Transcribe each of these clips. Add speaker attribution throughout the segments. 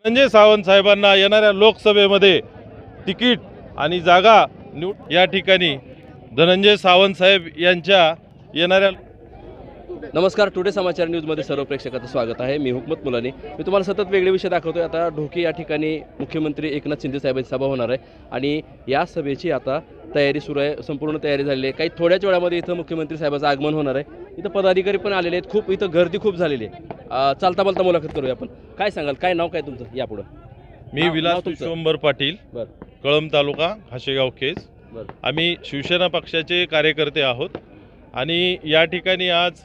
Speaker 1: संजय सावंत साहेबांना येणाऱ्या लोकसभेमध्ये तिकीट आणि जागा या ठिकाणी धनंजय सावंत साहेब यांच्या येणाऱ्या.
Speaker 2: नमस्कार, टुडे समाचार न्यूजमध्ये सर्व प्रेक्षकांचं स्वागत आहे. मी हुकमत मुलानी. मी तुम्हाला सतत वेगळे विषय दाखवतोय. आता ढोकी या ठिकाणी मुख्यमंत्री एकनाथ शिंदे साहेबांची सभा होणार आहे आणि या सभेची आता तयारी सुरू आहे. संपूर्ण तयारी झालेली आहे. काही थोड्याच वेळामध्ये इथं मुख्यमंत्री साहेबांचं आगमन होणार आहे. इथं पदाधिकारी पण आलेले आहेत. खूप इथं गर्दी खूप झालेली आहे. चालता बोलता मुलाखत करूया आपण. काय सांगाल, काय नाव काय तुमचं यापुढं?
Speaker 1: मी विलास विश्वंभर पाटील, कळंब तालुका, हाशेगाव केस. आम्ही शिवसेना पक्षाचे कार्यकर्ते आहोत आणि या ठिकाणी आज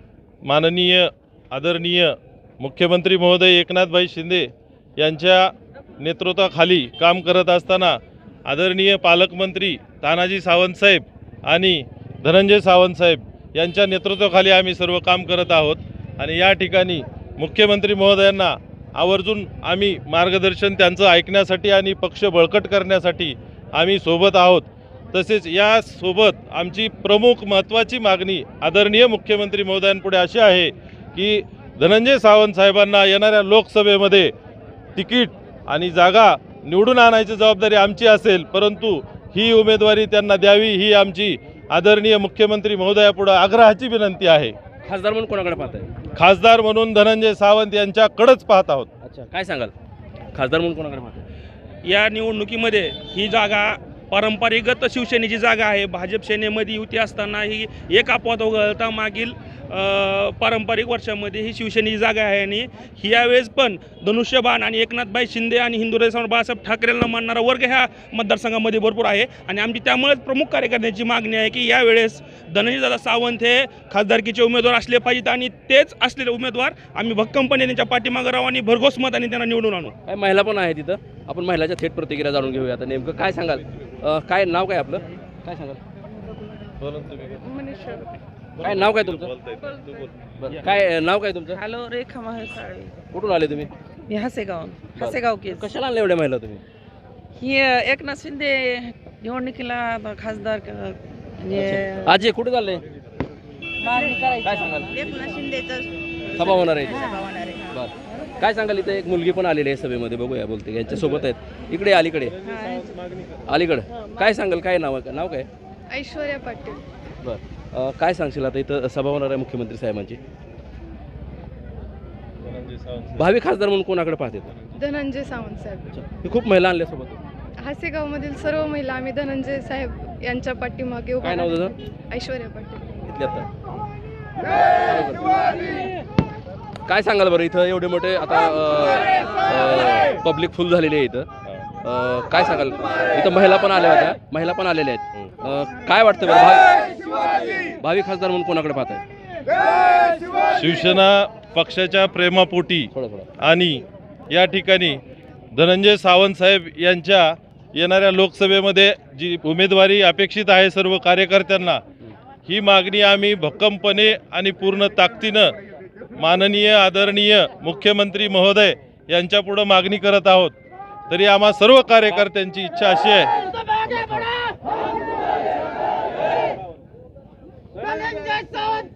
Speaker 1: माननीय आदरणीय मुख्यमंत्री महोदय एकनाथभाई शिंदे यांच्या नेतृत्वाखाली काम करत असताना आदरणीय पालकमंत्री तानाजी सावंत साहेब आणि धनंजय सावंत साहेब यांच्या नेतृत्वाखाली आम्ही सर्व काम करत आहोत आणि या ठिकाणी मुख्यमंत्री महोदयांना आवर्जून आम्ही मार्गदर्शन त्यांचं ऐकण्यासाठी आणि पक्ष बळकट करण्यासाठी आम्ही सोबत आहोत. तसेच यासोबत आमची प्रमुख महत्त्वाची मागणी आदरणीय मुख्यमंत्री महोदयांपुढे अशी आहे की धनंजय सावंत साहेबांना येणाऱ्या लोकसभेमध्ये तिकीट आणि जागा निवडून आणायची जबाबदारी आमची असेल, परंतु ही उमेदवारी त्यांना द्यावी ही आमची आदरणीय मुख्यमंत्री महोदयापुढे आग्रहाची विनंती आहे.
Speaker 2: खासदार म्हणून कोणाकडे पाहताय?
Speaker 1: खासदार म्हणून धनंजय सावंत यांच्याकडेच पाहत आहोत.
Speaker 2: अच्छा, काय सांगाल, खासदार म्हणून कोणाकडे पाहताय?
Speaker 3: या निवडणुकीमध्ये ही जागा पारंपरिकगत शिवसेनेची जागा आहे. भाजप सेनेमध्ये युती असताना ही एक अपवाद वगळता मागील पारंपरिक वर्षामध्ये ही शिवसेनेची जागा आहे आणि यावेळेस पण धनुष्यबाण आणि एकनाथभाई शिंदे आणि हिंदुराय सम्राट बाळासाहेब ठाकरेंना मानणारा वर्ग ह्या मतदारसंघामध्ये भरपूर आहे आणि आमची त्यामुळेच प्रमुख कार्यकर्त्यांची मागणी आहे की यावेळेस धनंजयदादा सावंत हे खासदारकीचे उमेदवार असले पाहिजेत आणि तेच असलेले उमेदवार आम्ही भक्कमपणे त्यांच्या पाठीमागे राहू आणि भरघोस मतांनी त्यांना निवडून आणू.
Speaker 2: काय महिला पण आहे तिथं, आपण महिलाच्या थेट प्रतिक्रिया जाणून घेऊया. आता नेमकं काय सांगाल, काय नाव काय आपलं, काय सांगाल? काय नाव काय तुमचं? काय नाव काय तुमचं?
Speaker 4: हॅलो, रेखा महासाळे.
Speaker 2: कुठून आले तुम्ही?
Speaker 4: मी हसेगाव केस.
Speaker 2: कशाला आणले एवढ्या महिला तुम्ही?
Speaker 4: ही एकनाथ शिंदे निवडणुकीला खासदार म्हणजे
Speaker 2: आज कुठे चालले, काय सांगाल?
Speaker 4: एकनाथ शिंदेचं
Speaker 2: सभा होणार आहे.
Speaker 4: सभा होणार आहे.
Speaker 2: बरं, काय सांगाल? इथे एक मुलगी पण आलेली आहे सभेमध्ये, बघूया बोलते. यांच्या सोबत आहेत इकडे अलीकडे, अलीकडे. काय सांगाल, काय नाव आहे, नाव काय?
Speaker 5: ऐश्वर्या पाटील.
Speaker 2: बरं, काय सांगशील? आता इथं सभा होणार आहे मुख्यमंत्री साहेबांची. भावी खासदार म्हणून कोणाकडे पाहते?
Speaker 5: धनंजय सावंत साहेब.
Speaker 2: हे खूप महिला आणल्या सोबत.
Speaker 5: हासेगावमधील सर्व महिला आम्ही धनंजय साहेब यांच्या पाठीमागे उभा
Speaker 2: काय नाव
Speaker 5: राहतो.
Speaker 2: तुझं?
Speaker 5: ऐश्वर्या पाटील.
Speaker 2: इथल्या काय सांगाल बरं? इथं एवढे मोठे आता पब्लिक फुल झालेली आहे इथं. काय सांगाल? इथं महिला पण आल्या होत्या, महिला पण आलेल्या आहेत. काय वाटतं बरं, भावी खासदार म्हणून कोणाकडे पाहताय?
Speaker 1: शिवसेना पक्षाच्या प्रेमापोटी आणि या ठिकाणी धनंजय सावंत साहेब यांच्या येणाऱ्या लोकसभेमध्ये जी उमेदवारी अपेक्षित आहे सर्व कार्यकर्त्यांना, ही मागणी आम्ही भक्कमपणे आणि पूर्ण ताकदीनं माननीय आदरणीय मुख्यमंत्री महोदय यांच्यापुढं मागणी करत आहोत. तरी आम्हा सर्व कार्यकर्त्यांची इच्छा अशी आहे
Speaker 6: धनंजय सावंत